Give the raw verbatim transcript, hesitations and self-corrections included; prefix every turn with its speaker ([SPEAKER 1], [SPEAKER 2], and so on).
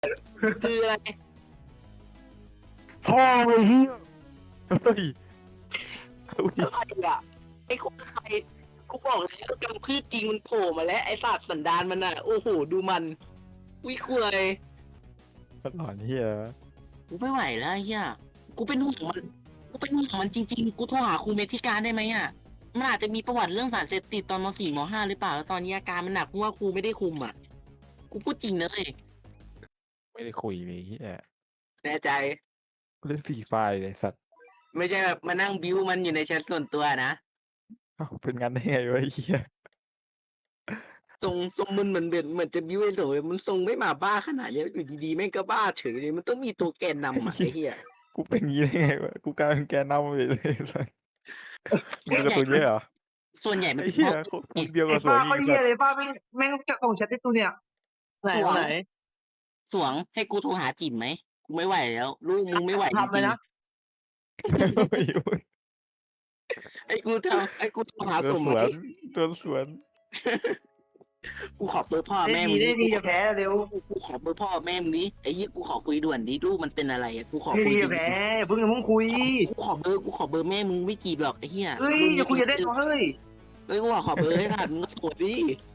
[SPEAKER 1] คืออะไร
[SPEAKER 2] พ่อไอ้เหี้ย
[SPEAKER 3] เฮ้ยอุ้ย
[SPEAKER 1] อะไรอ่ะไอ้คนไทยกูบอกแล้วกำพืชจริงมันโผล่มาแล้วไอ้สัตว์สันดานมันอ่ะโอ้โหดูมันวิคุย
[SPEAKER 3] มันหลอนเฮีย
[SPEAKER 1] กูไม่ไหวแล้วไอ้เฮียกูเป็นห่วงมันกูเป็นห่วงมันจริงๆกูโทรหาครูเมธิการได้ไหมอ่ะมันอาจจะมีประวัติเรื่องสารเสพติดตอนมสี่มห้าหรือเปล่าแล้วตอนนี้อาการมันหนักเพราะว่าครูไม่ได้คุมอ่ะกูพูดจริงเลย
[SPEAKER 3] ไม่ได้คุยเลยเฮีย
[SPEAKER 1] แน่ใจ
[SPEAKER 3] เล่นฟรีไฟร์เลยสัตว์
[SPEAKER 1] ไม่ใช่แบบมานั่งบิวมันอยู่ในแชทส่วนตัวนะ
[SPEAKER 3] เอ้าเป็นงั้นได้ไงวะไอ้เฮีย
[SPEAKER 1] ทรงทรงมันเหมือนเหมือนเหมือนจะบิวไอ้โหลยมันทรงไม่มาบ้าขนาดนี้อยู่ดีๆแม่งก็บ้าเฉยเลยมันต้องมีตัวแกนนำอ่ะไอ้เหี้ย
[SPEAKER 3] กูเป็นงี้ได้ไงวะกูกลายเป็นแกนนำไปเลยสัตว์มึงการะตูนเยอะเหรอ
[SPEAKER 1] ส่วนใหญ่มัน
[SPEAKER 3] ไอ้
[SPEAKER 1] เป็น
[SPEAKER 3] เหี้
[SPEAKER 1] เพ
[SPEAKER 3] ย
[SPEAKER 1] ราะ
[SPEAKER 3] พวกเดียว
[SPEAKER 2] ไอ้
[SPEAKER 3] กับสว
[SPEAKER 2] ป้าน
[SPEAKER 3] อี
[SPEAKER 2] เขา
[SPEAKER 3] ก
[SPEAKER 2] เหี้
[SPEAKER 3] สั
[SPEAKER 2] ย
[SPEAKER 3] ตว์
[SPEAKER 2] เลยป้าไม่แม่งจะส่งแชทให้ตูเนี่ยไหนไหน
[SPEAKER 1] สวงให้กูโทรหาจิ๋มไหมกูไม่ไหวแล้วลูกมึงไม่ไหวจ
[SPEAKER 2] ทำเล
[SPEAKER 1] ริ
[SPEAKER 2] ย
[SPEAKER 1] ง
[SPEAKER 2] นะ
[SPEAKER 1] ๆไอ้กูทำไอ้กูโทรหา
[SPEAKER 3] โด
[SPEAKER 1] ส
[SPEAKER 3] น
[SPEAKER 1] ม
[SPEAKER 3] ส
[SPEAKER 1] ไห
[SPEAKER 3] ว
[SPEAKER 1] ม
[SPEAKER 3] นโดนสวน
[SPEAKER 1] กูขอเบอร์พ่อ
[SPEAKER 2] ได้
[SPEAKER 1] แม่
[SPEAKER 2] ดี
[SPEAKER 1] มึง
[SPEAKER 2] ได้
[SPEAKER 1] ดิ
[SPEAKER 2] ดีจะแพ้เร็ว
[SPEAKER 1] กูกูขอเบอร์พ่อแม่มึงดิไอ้ยี่กูขอคุยด่วนดิลูกมันเป็นอะไรอ่ะกูขอ
[SPEAKER 2] ได้
[SPEAKER 1] คุย
[SPEAKER 2] ดี
[SPEAKER 1] จ
[SPEAKER 2] จะ
[SPEAKER 1] ริ
[SPEAKER 2] แพ้
[SPEAKER 1] ง
[SPEAKER 2] เพิ่งเพิ่งคุย
[SPEAKER 1] ๆกูขอเบอร์กูขอเบอร์แม่มึงไม่จีบหรอกไอ้เหี้ย
[SPEAKER 2] เฮ้ย
[SPEAKER 1] รุ่น
[SPEAKER 2] อย่าคุยจะได้
[SPEAKER 1] เ
[SPEAKER 2] เฮ้ย
[SPEAKER 1] ฮ้ยกูขอเบอร์ให้ผ่านมึงก็โสดดิ